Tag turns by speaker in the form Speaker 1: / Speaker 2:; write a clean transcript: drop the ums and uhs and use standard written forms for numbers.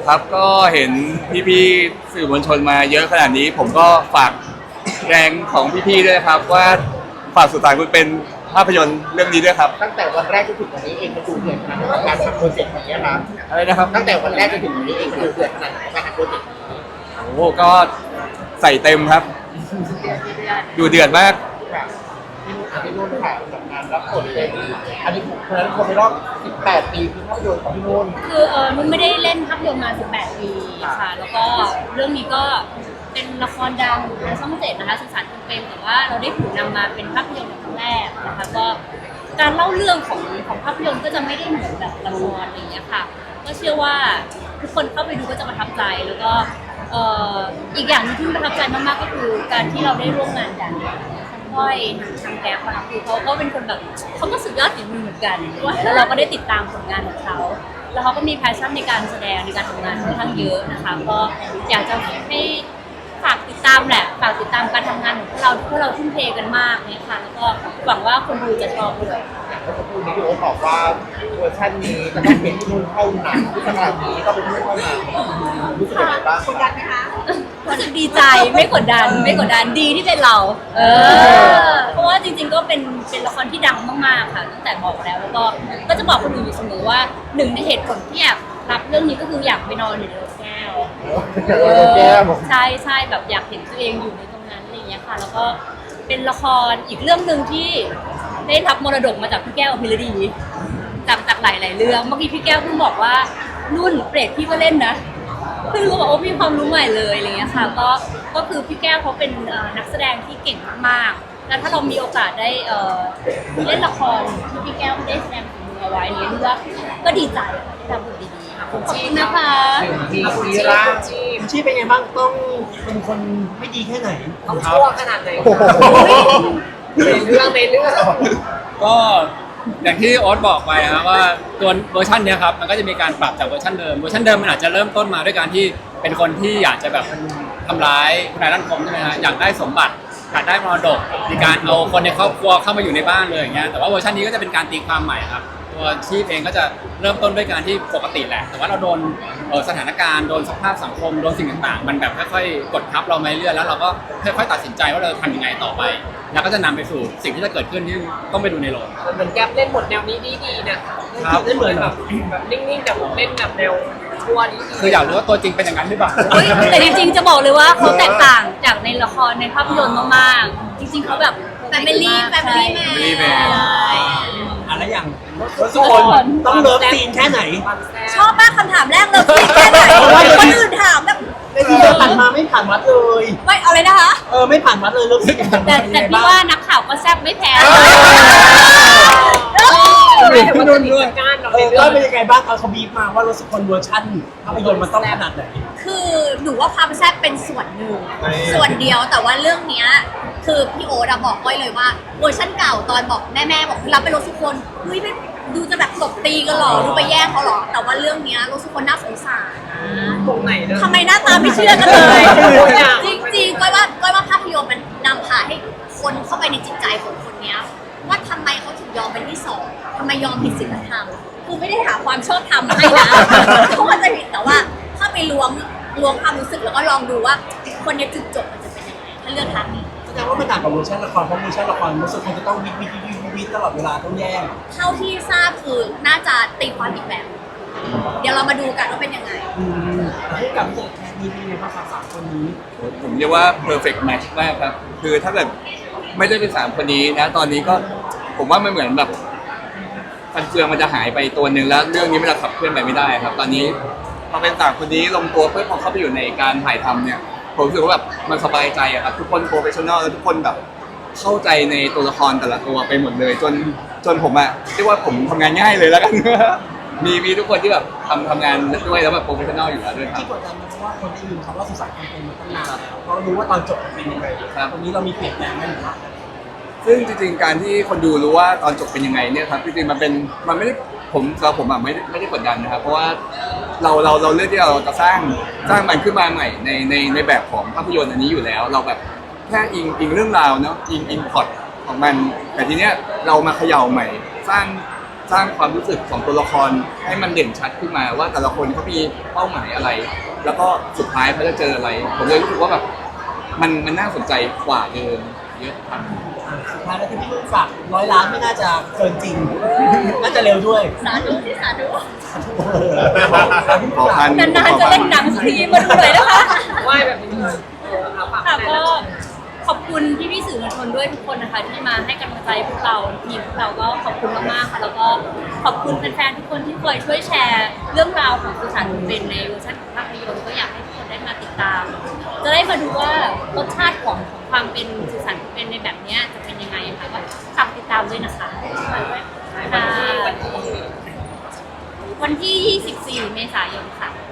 Speaker 1: ครับก็เห็นพี่ๆสื่อมวลชนมาเยอะขนาดนี้ผมก็ฝากแรงของพี่ๆด้วยครับว่าฝากสุดท้ายคุณเป็นภาพยนตร์เรื่องนี้ด้วยครับ
Speaker 2: ตั้งแต่วันแรกจนถึงวันนี้เองมันดูเดือดขนาดไหนกับการทำโปรเจกต์นี้ครับ
Speaker 1: อะไรนะครับ
Speaker 2: ตั้งแต่วันแรกจนถึงวันนี้เองมันดูเดือดขนาดไหนกับการทำโปรเจกต์นี้
Speaker 1: โอ้โหก็ใส่เต็มครับดูเดือดมาก
Speaker 2: ค่ะพี่นุ่นค่ะจากงานรับบทเป็นอันนี้ผมคนนั้นคนในรอบ18 ปีคือภาพยนตร์ของพี่นุ่น
Speaker 3: คือนุ่นไม่ได้เล่นภาพยนตร์มา18 ปีค่ะแล้วก็เรื่องนี้ก็เป็นละครดังในช่อง7นะคะสื่อสารจำเป็นแต่ว่าเราได้ถูกนำมาเป็นภาพยนตร์ครั้งแรกนะคะก็การเล่าเรื่องของภาพยนตร์ก็จะไม่ได้เหมือนแบบละครอะไรอย่างเงี้ยค่ะก็เชื่อว่าทุกคนเข้าไปดูก็จะประทับใจแล้วก็อีกอย่างนึงที่ประทับใจมากๆก็คือการที่เราได้ร่วมงานกันก้อยทางแก๊ปค่ะคือเขาก็เป็นคนแบบเขาก็สุดยอดฝีมือเหมือนกันแล้วเราก็ได้ติดตามผลงานของเขาแล้วเขาก็มีแพชชั่นในการแสดงในการทำงานค่อนข้างเยอะนะคะก็อยากจะให้ฝากติดตามแหละฝากติดตามการทำงานของพวกเราทุ่มเทกันมากเนี่ยค่ะแล้วก็หวังว่าคนดูจะชอบด้วย
Speaker 2: เมื่อสักครู่นี้พี่โอ๊ตบอกว่าเวอร์ชันนี้จะต้องเป็นพี่นุ่นเท่านั้นที่ขนาดนี้ก็เป็นพี่นุ่นเท่านั้นรู้สึกยังไงบ้างกดดันไหมคะ
Speaker 3: รู้สึกดีใจไม่กดดันดีที่เป็นเราเพราะว่าจริงๆก็เป็นละครที่ดังมากๆค่ะตั้งแต่บอกแล้วก็จะบอกคนอื่นอยู่เสมอว่าหนึ่งในเหตุผลที่อยากรับเรื่องนี้ก็คืออยากไปนอนอยู่ในรถแก้วใช่แบบอยากเห็นตัวเองอยู่ในตรงนั้นอะไรอย่างเงี้ยค่ะแล้วก็เป็นละครอีกเรื่องนึงที่ได้รับมรดกมาจากพี่แก้วอภิรดีจากหลายๆเรื่องเมื่อกี้พี่แก้วเพิ่งบอกว่านุ่นเปรตพี่ก็เล่นนะเพิ่งรู้ว่าโอ้มีความรู้ใหม่เลยอะไรเงี้ยค่ะก็คือพี่แก้วเขาเป็นนักแสดงที่เก่งมากๆแล้วถ้าเรามีโอกาสได้เล่นละครที่พี่แก้วได้แสดงฝีมือเอาไว้เนี่ยรู้ว่าก็ดีใจได้ทำบทดีๆขอบคุณนะคะ
Speaker 2: คุณชีเป็นไงบ้างต้องเป็นคนไม่ดีแค่ไหนต้องชั่วขนาดไหนในเรื่อง
Speaker 4: ก็อย่างที่โอ๊ตบอกไปนะครับว่าตัวเวอร์ชันนี้ครับมันก็จะมีการปรับจากเวอร์ชันเดิมมันอาจจะเริ่มต้นมาด้วยการที่เป็นคนที่อยากจะแบบทำร้ายคุณนายรัตน์คมใช่ไหมฮะอยากได้สมบัติอยากได้มรดกมีการเอาคนในครอบครัวเข้ามาอยู่ในบ้านเลยอย่างเงี้ยแต่ว่าเวอร์ชันนี้ก็จะเป็นการตีความใหม่ครับตัวชีพเองก็จะเริ่มต้นด้วยการที่ปกติแหละแต่ว่าเราโดนสถานการณ์โดนสภาพสังคมโดนสิ่งต่างๆมันแบบค่อยๆกดทับเรามาเรื่อยแล้วเราก็ค่อยๆตัดสินใจว่าเราทำยังไงต่อไปแล้วก็จะนำไปสู่สิ่งที่จะเกิดขึ้นที่ต้องไปดูในโรง
Speaker 5: เหมือนแก๊ปเล่นบทแนวนี้ดีๆนะครับเล่นเหมือนแบบนิ่งๆแต่ผมเล่นแบบแนวชั่วนี้
Speaker 4: คืออยากรู้ว่าตัวจริงเป็นอย่างนั้นหรือเปล่า
Speaker 3: แต่จริงๆจะบอกเลยว่าเขาแตกต่างจากในละครในภาพยนตร์มากๆจริงๆเขาแบบแฟมิลี่แมน
Speaker 4: อะไรอย่าง
Speaker 2: ทุกคนต้องเลิฟซีนแค่ไหน
Speaker 3: ชอบมากคำถามแรกเลยซีนแค่ไหนคนอื่นถามแบบ
Speaker 2: ในที่เราผ่านมาไม่ผ่านวัดเลย
Speaker 3: ไม่อะไรนะคะ
Speaker 2: ไม่ผ่านวัดเลยเลิฟซีน
Speaker 3: แต่พี่ว่านักข่าวก็แซ่บไม่แพ้
Speaker 2: พี่นุ่นด้วยก็เป็นยังไงบ้างเขาบีบมาว่ารถสุคนเวอร์ชันภาพยนตร์มันต้องขนาดไหน
Speaker 3: คือหนูว่าความแซ่บเป็นส่วนหนึ่งส่วนเดียวแต่ว่าเรื่องเนี้ยคือพี่โอ๊ตบอกไว้เลยว่าเวอร์ชันเก่าตอนบอกแม่บอกรับไปรถสุคนเฮ้ยดูจะแบบตบตีกันหรอดูไปแย่งเขาหรอแต่ว่าเรื่องเนี้ยรถสุคนน่าสงสาร
Speaker 5: ตรงไหน
Speaker 3: ทำไมหน้าตาไม่เชื่อกันเลยจริงๆก้อยว่าภาพยนตร์มันนำพาให้คนเข้าไปในจิตใจของคนเนี้ยว่าทำไมเขาถึงยอมเป็นที่สองทำไมยอมผิดศีลธรรมคือไม่ได้หาความชอบธรรมให้นะเขาก็จะผิดแต่ว่าถ้าไปล้วงความรู้สึกแล้วก็ลองดูว่าคนในจุดจบมันจะเป็นยังไงถ้าเลือกทางนี้
Speaker 2: แสดงว่ามันต่างกับเวอร์ชันละครเพราะเวอร์ชันละครรู้สึกคนจะต้องวิตลอดเวลาต้องแย่ง
Speaker 3: เท่าที่ทราบคือน่าจะตีความอีกแบบเดี๋ยวเรามาดูกันว่าเป็นยังไง
Speaker 2: ให้กับเจอแค่นี้เป็นไงบ้างครับ3 คนนี้
Speaker 1: ผมเรียกว่า perfect match มากครับคือถ้าเกิดไม่ได้เป็น3 คนนี้นะตอนนี้ก็ผมว่ามันเหมือนแบบฟันเฟืองมันจะหายไปตัวหนึ่งแล้วเรื่องนี้มันจะขับเคลื่อนไปไม่ได้ครับตอนนี้พอเป็น3 คนนี้ลงตัวเพื่อพอเข้าไปอยู่ในการถ่ายทำเนี่ยผมรู้สึกว่าแบบมันสบายใจอะครับทุกคนโปรเฟชชั่นอลแล้วทุกคนแบบเข้าใจในตัวละครแต่ละตัวไปหมดเลยจนผมอะเรียกว่าผมทำงานง่ายเลยแล้วกันมีทุกคนที่แบบทำงานด้วยแล้วแบบโปรเฟชชั่นอลอยู่แล้วด้วยครับ
Speaker 2: ที่กดดันเพราะว่าคนได้ยินคำว่าสุสานความเป็นมาตั้งนานแล้วเรารู้ว่าตอนจบเป็นยังไงตรงนี้เรามีเปลี่ยนแปลงไหมหรือว่า
Speaker 1: ซึ่งจริงๆการที่คนดูรู้ว่าตอนจบเป็นยังไงเนี่ยครับจริงๆมันไม่ได้ผมอะไม่ได้กดดันนะครับเพราะว่าเราเลือกที่เราจะสร้างมันขึ้นมาใหม่ในแบบของภาพยนตร์อันนี้อยู่แล้วเราแบบแค่อิงเรื่องราวเนาะอิงพล็อตของมันแต่ทีเนี้ยเรามาเขย่าใหม่สร้างสร้างความรู้สึกของตัวละครให้มันเด่นชัดขึ้นมาว่าแต่ละคนเขามีเป้าหมายอะไร แล้วก็สุดท้ายเขาจะเจออะไร ผมเลยรู้สึกว่าแบบมันน่าสนใจกว่าเดิมเยอะครับ
Speaker 2: สุดท้ายแล้วที่พี่นุ่นฝาก100 ล้านไม่น่าจะเกินจริง น่าจะเร็วด้วย
Speaker 3: สาธุที่สาธุ
Speaker 1: ขอพัน
Speaker 3: นานๆจะเล่นหนังสักทีมาดูหน่อยนะคะ
Speaker 5: ไหว้แบบนี้เลยเอาปาก
Speaker 3: ค่ะ
Speaker 5: แม่
Speaker 3: ก็ขอบคุณพี่ๆสื่อมวลชนด้วยทุกคนนะคะที่มาให้กำลังใจพวกเราทีมพวกเราก็ขอบคุณมากๆค่ะแล้วก็ขอบคุณแฟนๆทุกคนที่คอยช่วยแชร์เรื่องราวของสุสานเป็นในเวอร์ชันของภาพยนตร์ก็อยากให้ทุกคนได้มาติดตาม จะได้มาดูว่ารสชาติของความเป็นสุสานเป็นในแบบเนี้ยจะเป็นยังไงค่ะก็ฝากติดตามด้วยนะคะค่ะวันที่ 24 เมษายนค่ะ